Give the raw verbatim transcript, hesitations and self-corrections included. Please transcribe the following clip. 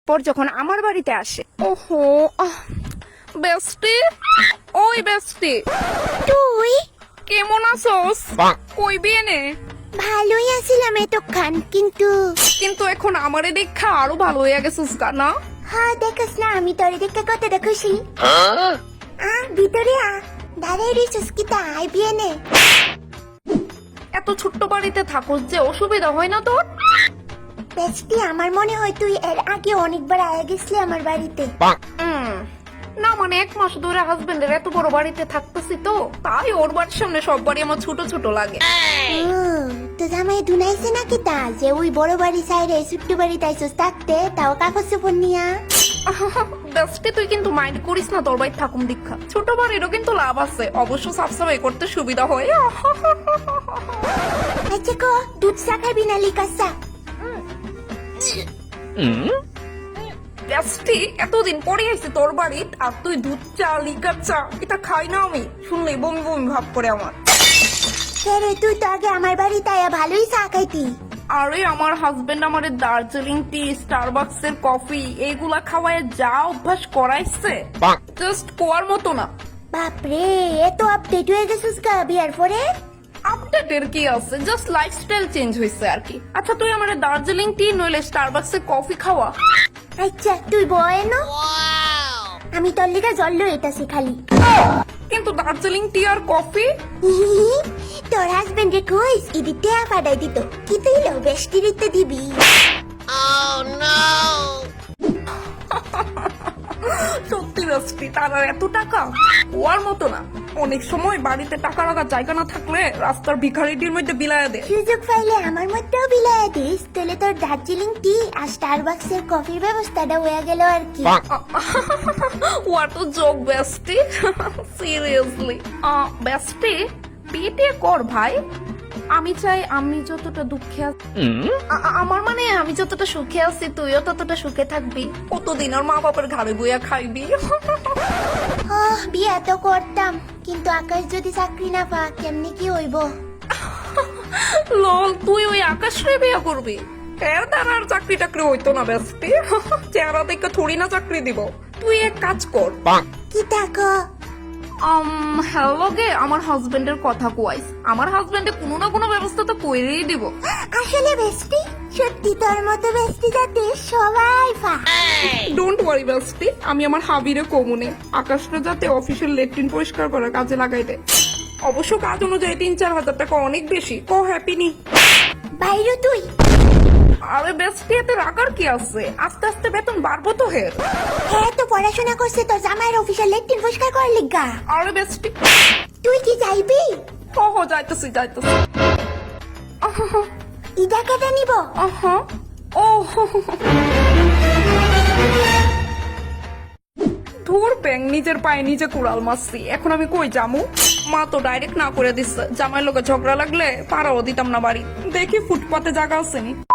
পর যখন আমার বাড়িতে আসে। ওহো বেস্টি, ওই বেস্টি তুই কেমন আছোস? কই বিয়েনে? ভালোই আছিলাম এতক্ষণ, কিন্তু কিন্তু এখন আমারে দেখা আরো ভালো হয়ে গেছিস না? হ্যাঁ দেখাস না, আমি তোর দেখে কতটা খুশি। আ ভিতরে আ, দাঁড়াই রইছিস কি তা, আই বিয়ে নে। এত ছোট্ট বাড়িতে থাকোস যে অসুবিধা হয় না তোর? বেস্টি, আমার মনে হয় তুই এর আগে অনেকবার আয়া গেছলি আমার বাড়িতে। হুম, না মানে এক মাস ধরে হাজবেন্ডের এত বড় বাড়িতে থাকতেছি তো, তাই ওর বাড়ির সামনে সব বাড়ি আমার ছোট ছোট লাগে। হুম, তো জামাই দুনাইছে নাকি তা যে ওই বড় বাড়ি সাইডে ছোট্ট বাড়ি তাইছস থাকতে, তাও কাগজ চোপড় নিয়া। বেস্টি তুই কিন্তু মাইন্ড করিস না, তোর বাড়ি থাকুম দীক্ষা ছোট বাড়িরও কিন্তু লাভ আছে, অবশ্য সাফসাফাই করতে সুবিধা হয়। আচ্ছা কো, দুধ চা খাবি না লিকা চা? বেস্টি এতদিন পরে আইছি তোর বাড়ি, আর তুই দুধ চা লিকার চা এটা খাই না আমি, শুনলে বমি বমি ভাব করে আমার। রে তুই তো আগে আমার বাড়িতে আয়া ভালোই চা খাইতি। আরে আমার হাজবেন্ড আমারে দার্জিলিং টি, স্টারবাকস এর কফি এইগুলা খাওয়ায় যা অভ্যাস করাইছে, জাস্ট কোয়ার মতো না। বাপরে, এত আপডেট হয়ে গেছিস গা বিয়ার পরে? আপডেটের কি আছে, জাস্ট লাইফস্টাইল চেঞ্জ হয়েছে আর কি। আচ্ছা তুই আমারে দার্জিলিং টি নইলে স্টারবাকস এর কফি খাওয়া। আচ্ছা তুই বয় না, আমি তোর লিগা জল লইতাছি খালি। কিন্তু দার্জিলিং টি আর কফি তোর হাজবেন্ড রে কইস ইদি টেয়া পাঠাই দিত, কি তুই লো বেষ্টি দিতে দিবি? সত্যি বেস্টি, তার আর এত টাকা ওয়ার মতো না। অনেক সময় বাড়িতে টাকা রাখার জায়গা না থাকলে রাস্তার ভিখারিটির মধ্যে বিলায়া দে। সুযোগ পাইলে আমার মধ্যেও বিলাইয়া দিস, তাহলে তোর দার্জিলিং টি আর স্টারবাকস এর কফির ব্যবস্থাটা হয়ে গেল আর কি। What a joke bestie, seriously. Bestie বিয়ে কর ভাই, আমি চাই আমি যতটা দুঃখে আছি, আ- আ- আমার মানে আমি যতটা সুখে আছি তুইও ততটা সুখে থাকবি, কতদিন আর মা বাবার ঘাড়ে বইয়া খাইবি। আহ, বিয়া তো করতাম, কিন্তু আকাশ যদি চাকরি না পা কেমনি কি হইব? লল, তুই ওই আকাশ রে বিয়ে করবি? এর দ্বারা আর চাকরি টাকরি হইতো না বেস্টি, চেহারা দেখে থোড়ি না চাকরি দিব। তুই এক কাজ কর, কি থাকো? হ্যালো গে আমার হাজবেন্ডের কথা কুয়াইস, আমার হাজবেন্ডে কোনো না কোনো ব্যবস্থা তো কইরেই দিব। আসলে বেস্টি, সত্যি তোর মতো বেস্টি যাতে সবাই পা। ডোন্ট ওয়ারি বেস্টি, আমি আমার হাবিরে কমুনে আকাশটা যাতে অফিসের লেট্রিন পরিষ্কার করার কাজে লাগাই দেয়। অবশ্য কাজ অনুযায়ী তিন চার হাজার টাকা অনেক বেশি, কো হ্যাপি নি? বাইরে তুই আরে বেস্টি এতে রাখার কি আছে, আস্তে আস্তে বেতন বাড়বো তো হের। হ্যাঁ তো পড়াশোনা করছে তো জামাইয়ের অফিসের লেট্রিন পরিষ্কার করার লিগা। আরে বেস্টি তুই কি যাইবি? হো হো যাইতেছি যাইতেছি। ইদা কেটে নিব? আহা ও ধুর ব্যাং, নিজের পায়ে নিজে কুড়াল মারছি, এখন আমি কই যামু? মা তো ডাইরেক্ট না করে দিচ্ছে, জামাইয়ের লোকে ঝগড়া লাগলে পাড়াও দিতাম না বাড়ি। দেখি ফুটপাতে জায়গা আছে নি।